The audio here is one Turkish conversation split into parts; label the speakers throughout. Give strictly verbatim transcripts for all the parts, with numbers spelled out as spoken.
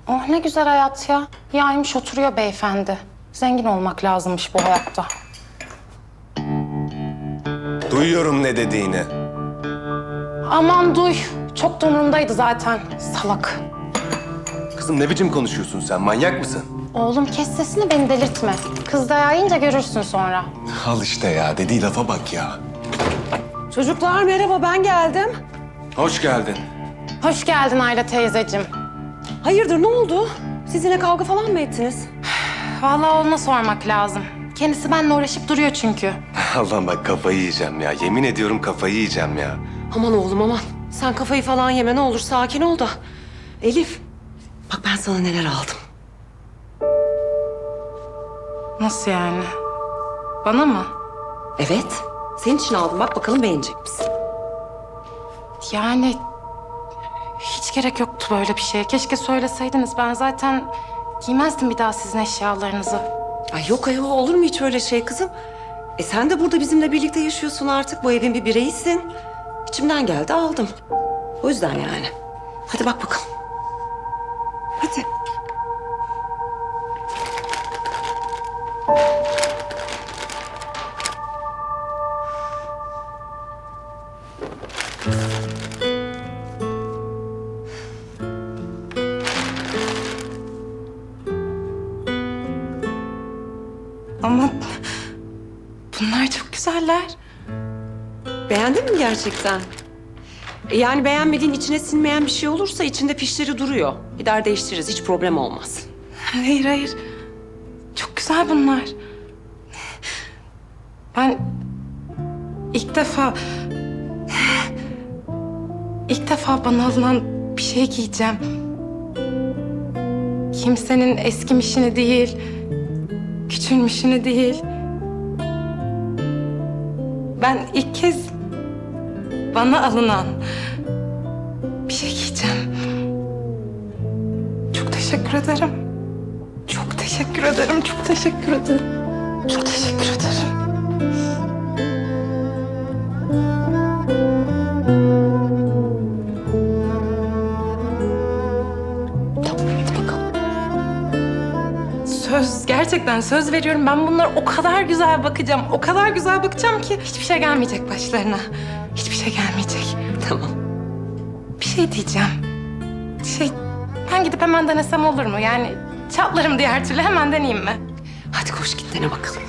Speaker 1: Oh ne güzel hayat ya. Yaymış oturuyor beyefendi. Zengin olmak lazımmış bu hayatta.
Speaker 2: Duyuyorum ne dediğini.
Speaker 1: Aman duy. Çok da umurumdaydı zaten. Salak.
Speaker 2: Kızım ne biçim konuşuyorsun sen? Manyak mısın?
Speaker 1: Oğlum kes sesini, beni delirtme. Kız dayağı yiyince görürsün sonra.
Speaker 2: Al işte ya. Dediği lafa bak ya.
Speaker 3: Çocuklar merhaba, ben geldim.
Speaker 2: Hoş geldin.
Speaker 1: Hoş geldin Ayla teyzeciğim.
Speaker 3: Hayırdır, ne oldu? Siz yine kavga falan mı ettiniz?
Speaker 1: Vallahi ona sormak lazım. Kendisi benimle uğraşıp duruyor çünkü.
Speaker 2: Allah'ım bak kafayı yiyeceğim ya. Yemin ediyorum kafayı yiyeceğim ya.
Speaker 3: Aman oğlum aman. Sen kafayı falan yeme, ne olur sakin ol da. Elif, bak ben sana neler aldım.
Speaker 1: Nasıl yani? Bana mı?
Speaker 3: Evet, senin için aldım. Bak bakalım beğenecek misin?
Speaker 1: Yani hiç gerek yoktu böyle bir şeye. Keşke söyleseydiniz. Ben zaten giymezdim bir daha sizin eşyalarınızı.
Speaker 3: Ay yok ayol, olur mu hiç öyle şey kızım? E sen de burada bizimle birlikte yaşıyorsun artık. Bu evin bir bireyisin. İçimden geldi aldım. O yüzden yani. Hadi bak bakalım. Hadi.
Speaker 1: Ama bunlar çok güzeller.
Speaker 3: Beğendin mi gerçekten? E yani beğenmediğin, içine sinmeyen bir şey olursa içinde fişleri duruyor. Gider değiştiririz, hiç problem olmaz.
Speaker 1: Hayır hayır. Çok güzel bunlar. Ben ilk defa... ilk defa bana alınan bir şey giyeceğim. Kimsenin eskimişini değil, küçülmüşünü değil. Ben ilk kez bana alınan bir şey giyeceğim. Çok teşekkür ederim. Çok teşekkür ederim, çok teşekkür ederim. Çok teşekkür ederim.
Speaker 3: Tamam, hadi bakalım.
Speaker 1: Söz, gerçekten söz veriyorum. Ben bunlara o kadar güzel bakacağım, o kadar güzel bakacağım ki hiçbir şey gelmeyecek başlarına. Hiçbir şey gelmeyecek.
Speaker 3: Tamam.
Speaker 1: Bir şey diyeceğim. Şey, ben gidip hemen denesem olur mu? Yani çatlarım diğer türlü, hemen deneyeyim mi?
Speaker 3: Hadi koş git dene bakalım.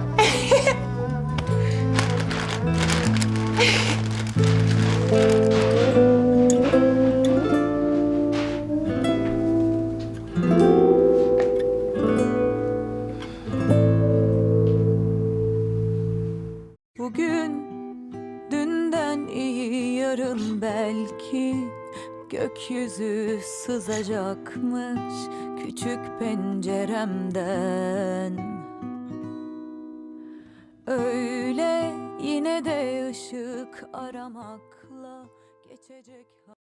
Speaker 4: Bugün dünden iyi, yarın belki gökyüzü sızacakmış küçük penceremden. Öyle yine de ışık aramakla geçecek.